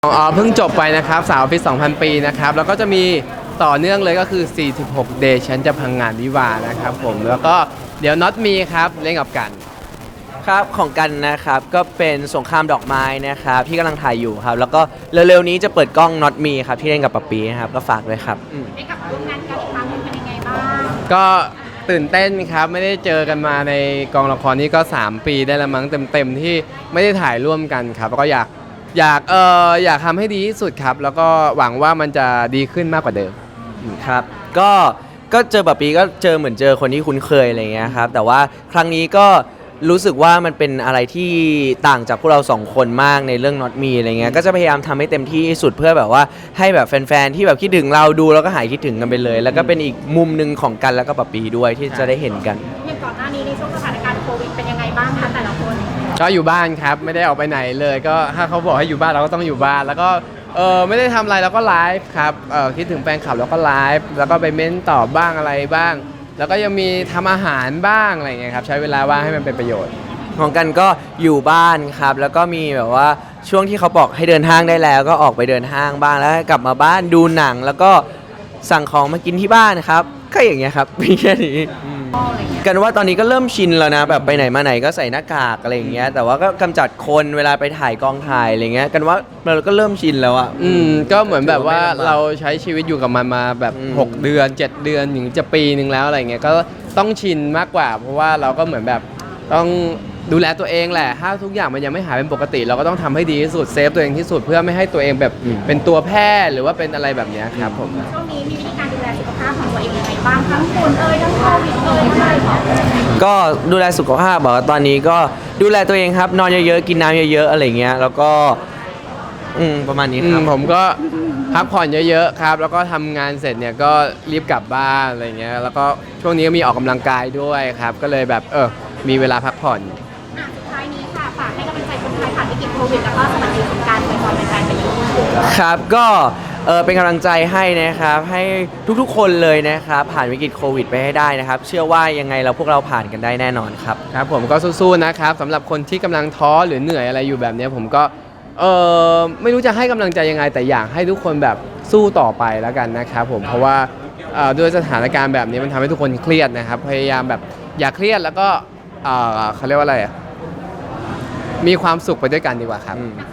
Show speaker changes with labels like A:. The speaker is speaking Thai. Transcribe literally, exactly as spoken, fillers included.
A: อ๋อเพิ่งจบไปนะครับสาวออฟฟิศสองพัน ปีนะครับแล้วก็จะมีต่อเนื่องเลยก็คือ สี่สิบหก Day ฉันจะพังงานวิวาห์นะครับผมแล้วก็เดี๋ยว Not Me ครับเล่นกับกัน
B: ครับของกันนะครับก็เป็นสงครามดอกไม้นะครับที่กำลังถ่ายอยู่ครับแล้วก็เร็วๆนี้จะเปิดกล้อง Not Me ครับที่เล่นกับปะปีนะครับก็ฝากด้วยครับอืม
C: ได้กลับมาร่วมงานกันอีกครั้งหนึงเป็นยังไงบ้าง
A: ก็ตื่นเต้นครับไม่ได้เจอกันมาในกองละครนี้ก็ สาม ปีได้แล้วมั้งเต็มๆที่ไม่ได้ถ่ายร่วมกันครับแล้วก็อยากอยากเอออยากทำให้ดีที่สุดครับแล้วก็หวังว่ามันจะดีขึ้นมากกว่าเดิม
B: ครับก็ก็เจอปะปีก็เจอเหมือนเจอคนที่คุ้นเคยอะไรเงี้ยครับแต่ว่าครั้งนี้ก็รู้สึกว่ามันเป็นอะไรที่ต่างจากพวกเราสองคนมากในเรื่อง Not Me อะไรเงี้ยก็จะพยายามทำให้เต็มที่ที่สุดเพื่อแบบว่าให้แบบแฟนๆที่แบบคิดถึงเราดูแล้วก็หายคิดถึงกันไปเลย แล้วก็เป็นอีกมุมหนึ่งของกันแล้วก็ปะปีด้วยที่จะได้เห็นกัน
C: อย่างก่อนหน้านี้ในช่วงสถานการณ์โควิดเป็นยังไงบ้างคะแต่ละคน
A: ก็อยู่บ้านครับไม่ได้ออกไปไหนเลยก็ถ้าเขาบอกให้อยู่บ้านเราก็ต้องอยู่บ้านแล้วก็เออไม่ได้ทำอะไรเราก็ไลฟ์ครับเออคิดถึงแฟนคลับเราก็ไลฟ์แล้วก็ไปเม้นตอบบ้างอะไรบ้าง แล้วก็ยังมีทำอาหารบ้างอะไรเงี้ยครับใช้เวลาว่างให้มันเป็นประโยชน์
B: ของกันก็อยู่บ้านครับแล้วก็มีแบบว่าช่วงที่เขาบอกให้เดินห้างได้แล้วก็ออกไปเดินห้างบ้างแล้วกลับมาบ้านดูหนังแล้วก็สั่งของมากินที่บ้านครับก็อย่างเงี้ยครับมีแค่นี้อืม
C: อะไรเงี้ย
B: กันว่าตอนนี้ก็เริ่มชินแล้วนะแบบไปไหนมาไหนก็ใส่หน้ากากอะไรอย่างเงี้ยแต่ว่าก็กำจัดคนเวลาไปถ่ายกองถ่ายอะไรเงี้ยกันว่าเราก็เริ่มชินแล้วอ่ะ
A: อืมก็เหมือนแบบว่า
B: ถือว่าไม่ลำบาก
A: เราใช้ชีวิตอยู่กับมันมาแบบ
B: อืม
A: หกเดือนเจ็ดเดือนถึงจะปีหนึ่งแล้วอะไรเงี้ยก็ต้องชินมากกว่า เพราะว่าเราก็เหมือนแบบต้องดูแลตัวเองแหละถ้าทุกอย่างมันยังไม่หายเป็นปกติ เราก็ต้องทำให้ดีที่สุดเซฟตัวเองที่สุดเพื่อไม่ให้ตัวเองแบบเป็นตัวแพร่หรือว่าเป็นอะไรแบบเนี้ยครับผม
C: ช่วงนี้มีวิธีการดูแลสุขภาพของตัวเองยังไงบ้างทั้งฝุ่นเอ่ยทั้งโควิดเอ่ยอะไรอย่างเงี้ย
B: ก็ดูแลสุขภาพบอกว่าตอนนี้ก็ดูแลตัวเองครับนอนเยอะๆกินน้ำเยอะๆอะไรเงี้ยแล้วก็อืมประมาณนี้
A: อื
B: ครั
A: ม
B: บ
A: ผมก็พักผ่อนเยอะๆครับแล้วก็ทำงานเสร็จเนี่ยก็รีบกลับบ้านอะไรเงี้ยแล้วก็ช่วงนี้ก็มีออกกำลังกายด้วยครับก็เลยแบบเออมีเวลาพักผ่อน
C: อ่ะสุดท้ายนี้ค่ะฝากให้กำลังใจคนไทยผ่านวิกฤตโควิดแล้วก็สวัสดีสงกรานต์ไปก่อนเป็นแฟนไปอยู่
B: ครับก็เออเป็นกำลังใจให้นะครับให้ทุกๆคนเลยนะครับผ่านวิกฤตโควิดไปให้ได้นะครับเชื่อว่ายังไงเราพวกเราผ่านกันได้แน่นอนครับ
A: ครับผมก็สู้ๆนะครับสำหรับคนที่กำลังท้อหรือเหนื่อยอะไรอยู่แบบเนี้ยผมก็เออไม่รู้จะให้กำลังใจยังไงแต่อยากให้ทุกคนแบบสู้ต่อไปแล้วกันนะครับผมเพราะว่าเอ่อด้วยสถานการณ์แบบนี้มันทำให้ทุกคนเครียดนะครับพยายามแบบอย่าเครียดแล้วก็เอ่อเขาเรียกว่าอะไรอะมีความสุขไปด้วยกันดีกว่าครับ